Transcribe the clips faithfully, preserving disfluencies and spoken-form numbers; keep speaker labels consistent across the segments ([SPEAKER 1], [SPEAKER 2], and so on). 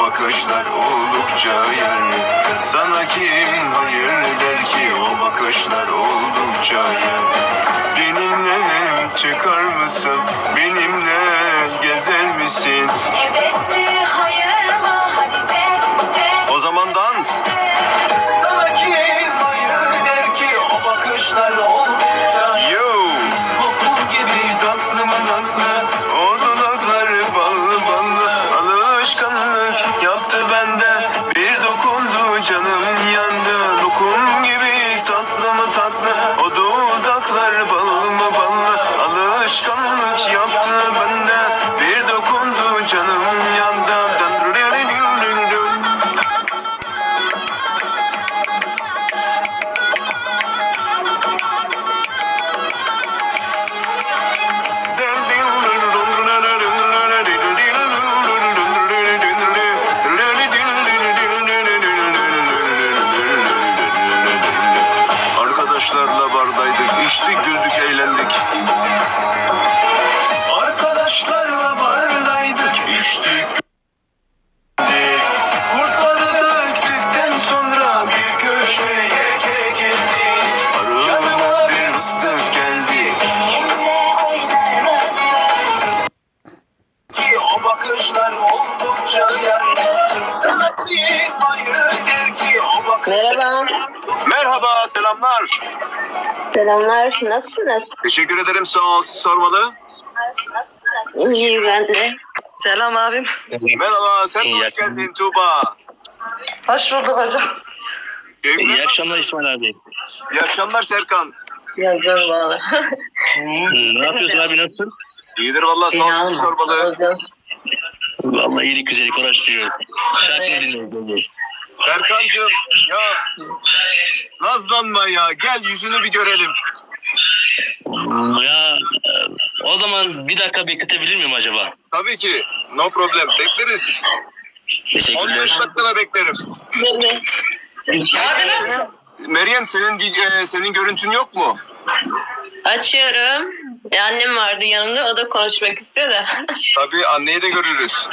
[SPEAKER 1] bakışlar oldukça yer. Sana kim hayır der ki o bakışlar oldukça yer. Benimle çıkar mısın? Benimle gezer misin?
[SPEAKER 2] Evet mi hayır mı? Hadi de de.
[SPEAKER 1] O zaman dans. Sana kim hayır der ki o bakışlar oldukça yer. Yo. Kokun gibi tatlı mı tatlı, o dudakları ballı ballı. Alışkanlık yaptı bende, bir dokundu canım yandı. Lokum gibi tatlı mı tatlı, o dudaklar ballı mı ballı. Alışkanlık yaptı bende, bir dokundu canım yandı. Arkadaşlarla bardaydık, içtik, güldük, eğlendik. Arkadaşlarla bardaydık, içtik, güldük. Kurtları döktükten sonra bir köşeye çekildik. Yanıma bir ıslık geldi.
[SPEAKER 2] Benimle oynar mısın?
[SPEAKER 1] Ki o bakışlar oldukça yer. Sana kim hayır der ki o bakışlar.
[SPEAKER 3] Merhaba.
[SPEAKER 1] Merhaba, selamlar.
[SPEAKER 3] Selamlar. Nasılsınız?
[SPEAKER 1] Teşekkür ederim, sağ ol. Siz sormalı.
[SPEAKER 3] İyi ben de. Selam abim.
[SPEAKER 1] Merhaba, sen de
[SPEAKER 4] İyi
[SPEAKER 1] hoş geldin Tuğba.
[SPEAKER 3] Hoş bulduk hocam.
[SPEAKER 1] Keyifler
[SPEAKER 4] İyi
[SPEAKER 1] nasıl?
[SPEAKER 4] akşamlar İsmail abi.
[SPEAKER 1] İyi akşamlar Serkan.
[SPEAKER 3] Yazıyorum valla.
[SPEAKER 4] Ne yapıyorsun abi, nasılsın?
[SPEAKER 1] İyidir valla, sağ ol. Siz sormalı.
[SPEAKER 4] Vallahi iyilik güzellik uğraştırıyorum. Şarkı dinliyorum.
[SPEAKER 1] Serkancığım, ya nazlanma ya. Gel yüzünü bir görelim.
[SPEAKER 4] Ya o zaman bir dakika bekletebilir miyim acaba?
[SPEAKER 1] Tabii ki. No problem. Bekleriz. on beş
[SPEAKER 4] Teşekkürler.
[SPEAKER 1] dakikada beklerim.
[SPEAKER 3] Abi nasıl?
[SPEAKER 1] Meryem, senin e, senin görüntün yok mu?
[SPEAKER 3] Açıyorum. E, annem vardı yanımda. O da konuşmak istiyor da.
[SPEAKER 1] Tabii, anneyi de görürüz.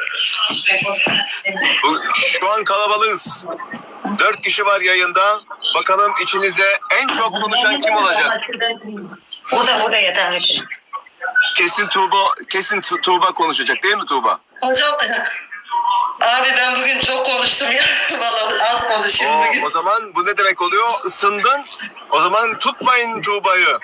[SPEAKER 1] Bu, şu an kalabalığız. Dört kişi var yayında. Bakalım içinize en çok konuşan kim olacak?
[SPEAKER 3] O da o da yeterli.
[SPEAKER 1] Kesin Tuğba, kesin Tu- Tuğba konuşacak değil mi Tuğba?
[SPEAKER 5] Hocam abi ben bugün çok konuştum ya. Vallahi az konuşayım
[SPEAKER 1] Oo,
[SPEAKER 5] bugün.
[SPEAKER 1] o zaman bu ne demek oluyor? Isındın. O zaman tutmayın Tuğba'yı.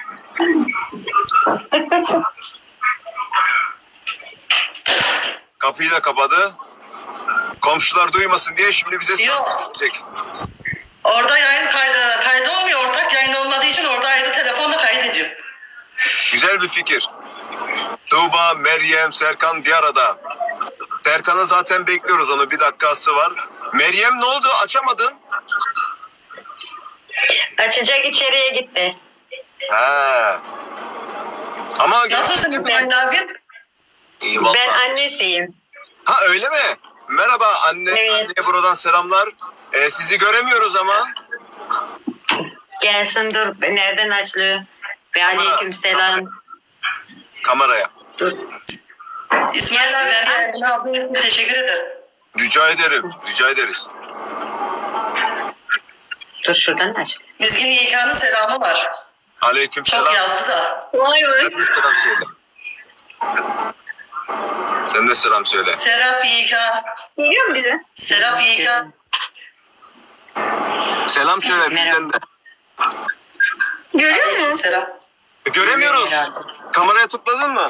[SPEAKER 1] Kapıyı da kapadı. Komşular duymasın diye şimdi bize
[SPEAKER 5] Yok.
[SPEAKER 1] söyleyecek.
[SPEAKER 5] Orada yayın kaydı, kaydı olmuyor. Ortak yayın olmadığı için orada ayrı telefonla kaydediyor.
[SPEAKER 1] Güzel bir fikir. Tuğba, Meryem, Serkan bir arada. Serkan'ı zaten bekliyoruz, onu bir dakikası var. Meryem ne oldu? Açamadın.
[SPEAKER 3] Açacak, içeriye gitti.
[SPEAKER 1] Ha. Ama
[SPEAKER 5] Nasılsın İsmail abi?
[SPEAKER 1] İyi vallahi.
[SPEAKER 3] Ben annesiyim.
[SPEAKER 1] Ha, öyle mi? Merhaba anne.
[SPEAKER 3] Evet.
[SPEAKER 1] Anneye buradan selamlar. Ee, sizi göremiyoruz ama.
[SPEAKER 3] Gelsin dur. Nereden açılıyor? Ve aleyküm selam.
[SPEAKER 1] Kameraya.
[SPEAKER 3] Dur.
[SPEAKER 5] İsmail abi, Meryem abi teşekkür ederim.
[SPEAKER 1] Rica ederim. Rica ederiz.
[SPEAKER 3] Dur şuradan aç.
[SPEAKER 5] Mizgin Yekan'ın selamı var.
[SPEAKER 1] Aleyküm
[SPEAKER 5] Çok
[SPEAKER 1] selam.
[SPEAKER 5] yazdı da.
[SPEAKER 3] Vay
[SPEAKER 1] Sen de selam söyle. Sen de selam söyle.
[SPEAKER 5] Serap Yekan.
[SPEAKER 3] Geliyor mu bize?
[SPEAKER 5] Serap Yekan.
[SPEAKER 1] Selam söyle bizden de.
[SPEAKER 3] Görüyor
[SPEAKER 5] Aleyküm
[SPEAKER 3] musun?
[SPEAKER 5] selam.
[SPEAKER 1] E, göremiyoruz. Kameraya tıkladın mı?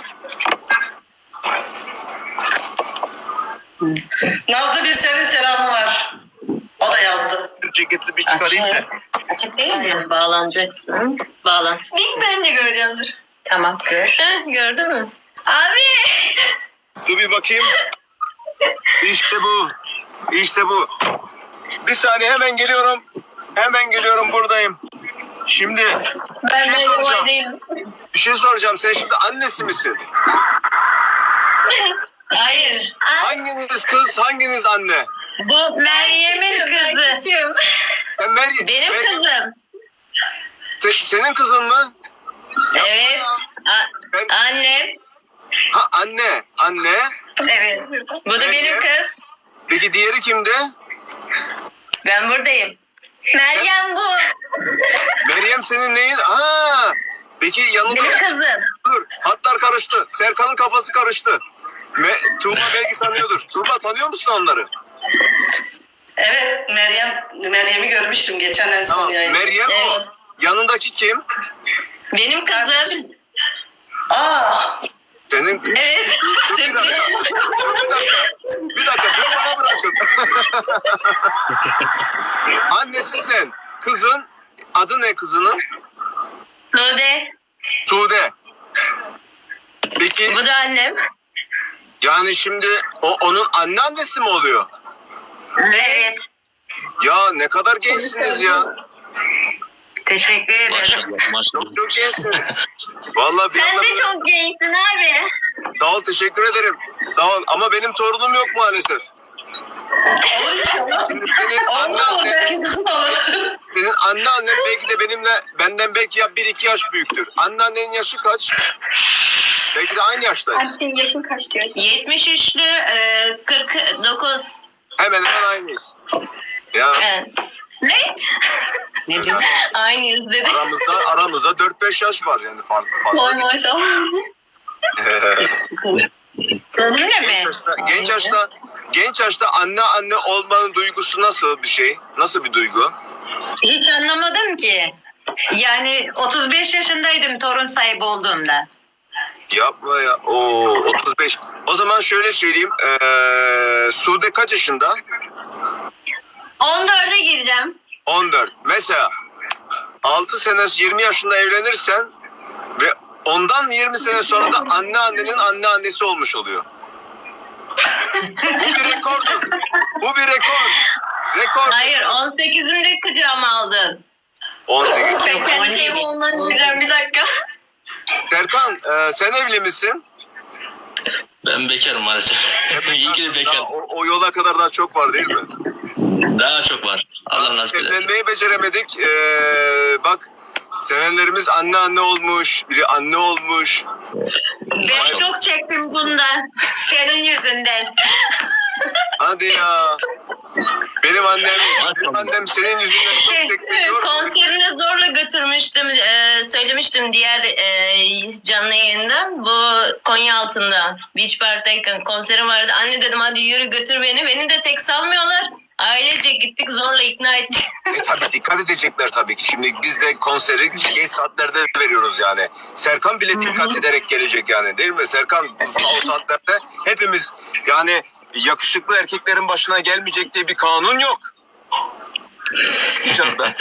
[SPEAKER 5] Nazlı bir senin selamı var. O da yazdı.
[SPEAKER 1] Ceketli bir çıkarayım da.
[SPEAKER 3] Açık değil mi? Bağlanacaksın. Bağlan.
[SPEAKER 6] İlk ben de göreceğim dur.
[SPEAKER 3] Tamam gör. Heh, gördün mü?
[SPEAKER 6] Abi.
[SPEAKER 1] Dur bir bakayım. İşte bu. İşte bu. Bir saniye, hemen geliyorum. Hemen geliyorum, buradayım. Şimdi bir
[SPEAKER 6] Ben
[SPEAKER 1] şey
[SPEAKER 6] de
[SPEAKER 1] soracağım.
[SPEAKER 6] yavaş değilim.
[SPEAKER 1] Bir şey soracağım. Sen şimdi annesi misin?
[SPEAKER 3] Hayır.
[SPEAKER 1] Hanginiz kız, hanginiz anne?
[SPEAKER 3] Bu Meryem'in
[SPEAKER 6] Ben
[SPEAKER 3] kızı.
[SPEAKER 6] küçüğüm.
[SPEAKER 1] Ben Meryem.
[SPEAKER 3] Benim
[SPEAKER 1] Meryem-
[SPEAKER 3] kızım.
[SPEAKER 1] Se- senin kızın mı?
[SPEAKER 3] Evet. A-
[SPEAKER 1] Ben-
[SPEAKER 3] annem.
[SPEAKER 1] Ha, anne. Anne.
[SPEAKER 3] Evet. Bu da benim
[SPEAKER 1] Meryem.
[SPEAKER 3] kız.
[SPEAKER 1] Peki diğeri kimdi?
[SPEAKER 3] Ben buradayım.
[SPEAKER 6] Meryem bu.
[SPEAKER 1] Meryem senin neyin? Aa, peki yanında...
[SPEAKER 3] Benim kızım.
[SPEAKER 1] Dur, hatlar karıştı. Serkan'ın kafası karıştı. Me Tuğba belki tanıyordur. Tuğba tanıyor musun onları?
[SPEAKER 5] Evet Meryem Meryem'i görmüştüm geçen en son
[SPEAKER 1] Tamam.
[SPEAKER 5] yayında.
[SPEAKER 1] Meryem o.
[SPEAKER 3] Evet.
[SPEAKER 1] Yanındaki kim?
[SPEAKER 3] Benim kızım.
[SPEAKER 5] Aa,
[SPEAKER 1] Senin...
[SPEAKER 3] Evet.
[SPEAKER 1] Dur, bir dakika. Bir dakika. Bir dakika. Bunu bana bırakın. Annesi sen. Kızın. Adı ne kızının?
[SPEAKER 3] Sude.
[SPEAKER 1] Sude. Peki
[SPEAKER 3] Bu da annem.
[SPEAKER 1] yani şimdi o onun anneannesi mi oluyor?
[SPEAKER 3] Evet.
[SPEAKER 1] Ya ne kadar gençsiniz ya.
[SPEAKER 3] Teşekkür ederim.
[SPEAKER 4] Maşallah maşallah.
[SPEAKER 1] Çok çok gençsiniz. Vallahi bir
[SPEAKER 6] Sen
[SPEAKER 1] anda...
[SPEAKER 6] de çok gençsin abi.
[SPEAKER 1] Sağ ol, teşekkür ederim. Sağ ol ama benim torunum yok maalesef.
[SPEAKER 5] olur inşallah.
[SPEAKER 1] Şimdi senin
[SPEAKER 5] Olur olur
[SPEAKER 1] anneannen,
[SPEAKER 5] belki kızın olur.
[SPEAKER 1] senin anneannen belki de benimle, benden belki ya bir iki yaş büyüktür. Anneannenin yaşı kaç? Belki de aynı yaştayız.
[SPEAKER 6] Senin yaşın kaç diyorsun?
[SPEAKER 3] yetmiş üçlü e, kırk dokuz.
[SPEAKER 1] Hemen hemen aynıyız. Ya
[SPEAKER 3] Evet. Ne? Ne diyor? Aynıyız dedi.
[SPEAKER 1] aramızda aramızda dört beş yaş var yani farklı fazla.
[SPEAKER 6] maşallah.
[SPEAKER 3] Öyle mi?
[SPEAKER 1] Genç yaşta, genç yaşta genç yaşta anne anne olmanın duygusu nasıl bir şey? Nasıl bir duygu?
[SPEAKER 3] Hiç anlamadım ki. Yani otuz beş yaşındaydım torun sahibi olduğumda.
[SPEAKER 1] Yapma ya. Oo, otuz beş. O zaman şöyle söyleyeyim. Ee, Sude kaç yaşında?
[SPEAKER 6] on dörde gireceğim.
[SPEAKER 1] on dört. Mesela altı sene yirmi yaşında evlenirsen ve ondan yirmi sene sonra da anneannenin anneannesi olmuş oluyor. Bu bir rekordur. Bu bir rekor. Rekor.
[SPEAKER 3] Hayır on sekizimde kucağıma aldım.
[SPEAKER 1] on sekiz.
[SPEAKER 6] Ben kendi evim olmaya gireceğim bir dakika.
[SPEAKER 1] Serkan e, sen evli misin?
[SPEAKER 4] Ben bekarım maalesef. İyi ki de
[SPEAKER 1] Daha
[SPEAKER 4] bekarım.
[SPEAKER 1] o, o yola kadar daha çok var değil mi?
[SPEAKER 4] Daha çok var. Allah nasip eder.
[SPEAKER 1] Evlenmeyi beceremedik. Ee, bak sevenlerimiz anne anne olmuş. Biri anne olmuş.
[SPEAKER 3] Ben çok çektim bundan. Senin yüzünden.
[SPEAKER 1] Hadi ya. Benim annem, benim annem senin yüzünden çok çekti diyor.
[SPEAKER 3] Konserine zorla götürmüştüm. Ee, söylemiştim diğer e, canlı yayında. Bu Konya altında. Beach Park'tayken konserim vardı. Anne dedim hadi yürü götür beni. Beni de tek salmıyorlar. Ailece gittik zorla ikna ettik.
[SPEAKER 1] E tabii dikkat edecekler tabii ki. Şimdi biz de konseri geç saatlerde veriyoruz yani. Serkan bile dikkat ederek gelecek yani değil mi? Serkan o saatlerde hepimiz yani yakışıklı erkeklerin başına gelmeyecek diye bir kanun yok. Dışarıda.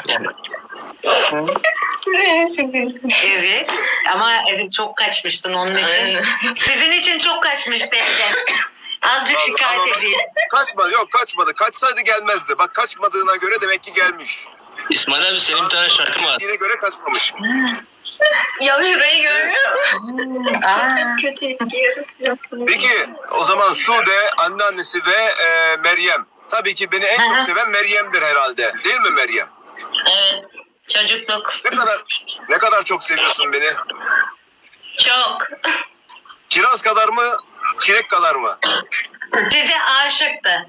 [SPEAKER 3] Evet. Ama çok kaçmıştın onun için. Sizin için çok kaçmıştı evden. Azıcık şikayet
[SPEAKER 1] Ama-
[SPEAKER 3] edeyim.
[SPEAKER 1] Kaçmadı yok kaçmadı. Kaçsaydı gelmezdi. Bak kaçmadığına göre demek ki gelmiş.
[SPEAKER 4] İsmail abi senin bir tane şarkın var.
[SPEAKER 1] Yine göre kaçmamış.
[SPEAKER 6] Ya şurayı görüyor musun?
[SPEAKER 3] Aa.
[SPEAKER 6] Çok kötü etki yaratacak.
[SPEAKER 1] Peki o zaman Sude, anneannesi ve e, Meryem. Tabii ki beni en
[SPEAKER 3] Hı hı.
[SPEAKER 1] çok seven Meryem'dir herhalde. Değil mi Meryem?
[SPEAKER 3] Evet. Çocukluk.
[SPEAKER 1] Ne kadar ne kadar çok seviyorsun beni?
[SPEAKER 3] Çok.
[SPEAKER 1] Kiraz kadar mı, çilek kadar mı?
[SPEAKER 3] Size aşıktı.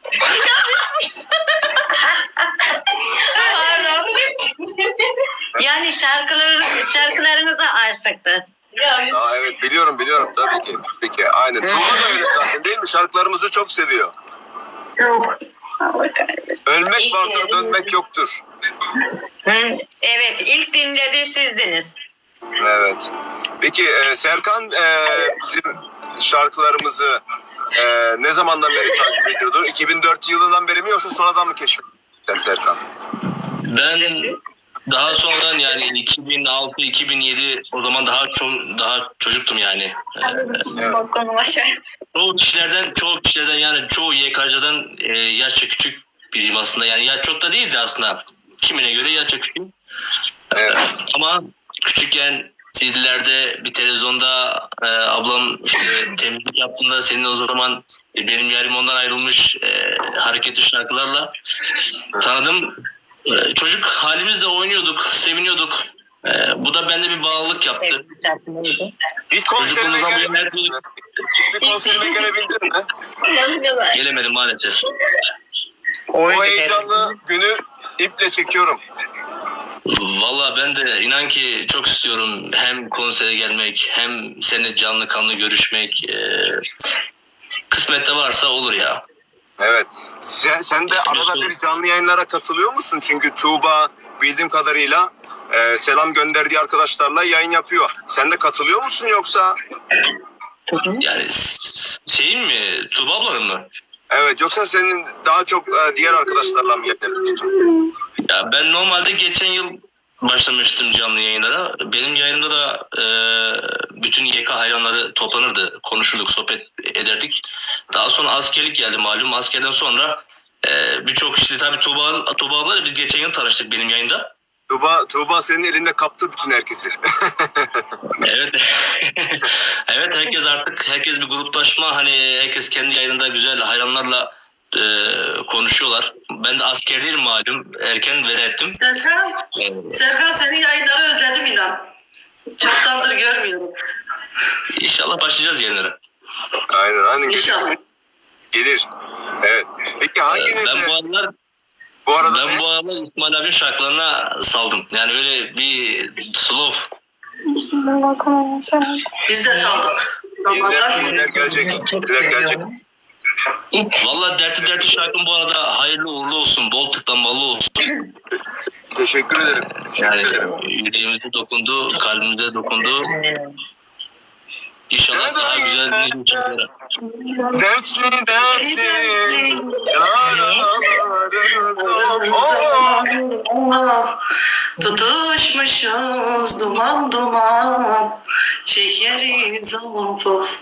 [SPEAKER 6] Pardon.
[SPEAKER 3] Yani şarkılar, şarkılarınıza aşıktı.
[SPEAKER 1] Aa, evet biliyorum biliyorum tabii ki. Peki aynen. Tuğba da öyle zaten değil mi? Şarkılarımızı çok seviyor.
[SPEAKER 3] Çok.
[SPEAKER 6] Allah kahretsin.
[SPEAKER 1] Ölmek
[SPEAKER 3] İyi
[SPEAKER 1] vardır,
[SPEAKER 3] ki.
[SPEAKER 1] dönmek yoktur.
[SPEAKER 3] Hı, evet ilk dinledi sizdiniz.
[SPEAKER 1] Evet. Peki e, Serkan e, bizim şarkılarımızı e, ne zamandan beri takip ediyordu? iki bin dört yılından beri mi yoksa sonradan mı keşfettin Serkan?
[SPEAKER 4] Ben daha sonradan yani iki bin altı iki bin yedi o zaman daha çok daha çocuktum yani. Ee,
[SPEAKER 6] Balkonum aşağı.
[SPEAKER 4] çoğu kişilerden çoğu kişilerden yani çoğu Y K'dan e, yaşça küçük biriyim aslında. Yani ya çok da değildi aslında. Kimine göre yaşça küçük.
[SPEAKER 1] Evet.
[SPEAKER 4] Ama küçükken C D'lerde bir televizyonda e, ablam işte temizlik yaptığında senin o zaman e, benim yarim ondan ayrılmış e, hareketli şarkılarla tanıdım. E, çocuk halimizle oynuyorduk, seviniyorduk. Ee, bu da bende bir bağlılık yaptı.
[SPEAKER 1] İlk konserime
[SPEAKER 4] Çocukluğumuzdan bu
[SPEAKER 1] gelebildin
[SPEAKER 4] yana
[SPEAKER 1] mi? Hiçbir konserime gelebildin mi?
[SPEAKER 6] Nasıl güzel.
[SPEAKER 4] gelemedim maalesef.
[SPEAKER 1] O heyecanlı günü iple çekiyorum.
[SPEAKER 4] Valla ben de inan ki çok istiyorum hem konsere gelmek hem seninle canlı kanlı görüşmek. Ee, kısmette varsa olur ya.
[SPEAKER 1] Evet. Sen, sen de arada bir canlı yayınlara katılıyor musun? Çünkü Tuğba bildiğim kadarıyla e, selam gönderdiği arkadaşlarla yayın yapıyor. Sen de katılıyor musun yoksa?
[SPEAKER 4] Yani s- şeyin mi? Tuğba ablanın mı?
[SPEAKER 1] Evet, yoksa senin daha çok e, diğer arkadaşlarla mı yapıyorsun?
[SPEAKER 4] Ya ben normalde geçen yıl başlamıştım canlı yayınlara. Benim yayınımda da e, bütün Y K hayranları toplanırdı. Konuşurduk, sohbet ederdik. Daha sonra askerlik geldi malum. Askerden sonra e, birçok işte tabii Tuğba, Tuğba ablayla biz geçen yıl tanıştık benim yayında.
[SPEAKER 1] Tuğba, Tuğba senin elinde kaptı bütün herkesi.
[SPEAKER 4] Evet. Evet, herkes artık herkes bir gruplaşma, hani herkes kendi yayınında güzel hayranlarla e, konuşuyorlar. Ben de askerdeyim malum. Erken veda ettim.
[SPEAKER 5] Serkan,
[SPEAKER 4] Evet.
[SPEAKER 5] Serkan senin yayınları özledim inan. Çoktandır görmüyorum.
[SPEAKER 4] İnşallah başlayacağız yayınlara.
[SPEAKER 1] Aynen, aynen.
[SPEAKER 5] İnşallah.
[SPEAKER 1] Gelir. Evet. Peki hanginiz?
[SPEAKER 4] Ben bu aralar
[SPEAKER 1] Bu arada
[SPEAKER 4] ben
[SPEAKER 1] ne?
[SPEAKER 4] bu aralar İsmail abinin şarkılarına saldım. Yani böyle bir slow.
[SPEAKER 5] Biz de saldık.
[SPEAKER 1] Yeniler,
[SPEAKER 5] Zamandan
[SPEAKER 1] yeniler gelecek. Yeniler gelecek.
[SPEAKER 4] Vallahi dertli dertli şarkım bu arada hayırlı uğurlu olsun. Bol tıklanmalı olsun.
[SPEAKER 1] Teşekkür ederim.
[SPEAKER 4] Yani
[SPEAKER 1] Teşekkür ederim.
[SPEAKER 4] yüreğimize dokundu, kalbimize dokundu. İnşallah daha güzel bir şeyler.
[SPEAKER 1] Dertli dertli yaralarımız
[SPEAKER 5] Ah, tutuşmuşuz duman duman çekeriz of of.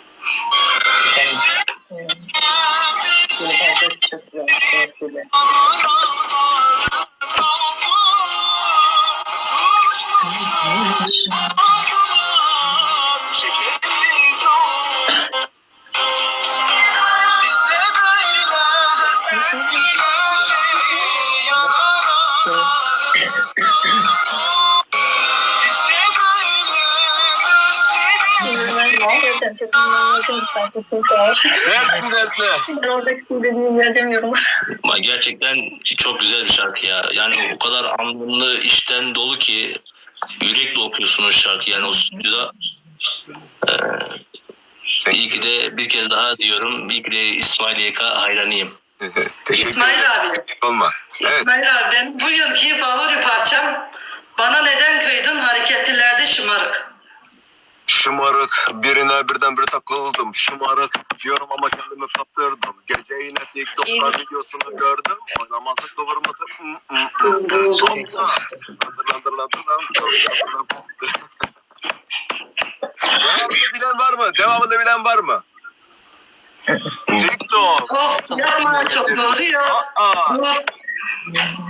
[SPEAKER 1] Dertli dertli.
[SPEAKER 6] Ben oradaki söylediğimi yazamıyorum.
[SPEAKER 4] Ama gerçekten çok güzel bir şarkı ya. Yani o kadar anlamlı, içten dolu ki yürekle okuyorsunuz şarkı yani o stüdyoda. Ee, iyi ki de bir kez daha diyorum. İyi ki de İsmail Y K hayranıyım.
[SPEAKER 1] Teşekkür
[SPEAKER 5] İsmail
[SPEAKER 1] ederim.
[SPEAKER 5] abi.
[SPEAKER 1] Olma. Evet.
[SPEAKER 5] İsmail abi ben bu yılki favori parçam Bana Neden Kıydın Hareketlilerde Şımarık.
[SPEAKER 1] Şımarık, birine birdenbire takıldım. Şımarık diyorum ama kendimi kaptırdım. Gece yine TikTok'ta videosunu gördüm. Oynaması kıvırması. Devamını bilen var mı? Devamını bilen var mı? TikTok.
[SPEAKER 5] Of yapma çok doğru ya.
[SPEAKER 1] Aa.
[SPEAKER 5] Dur.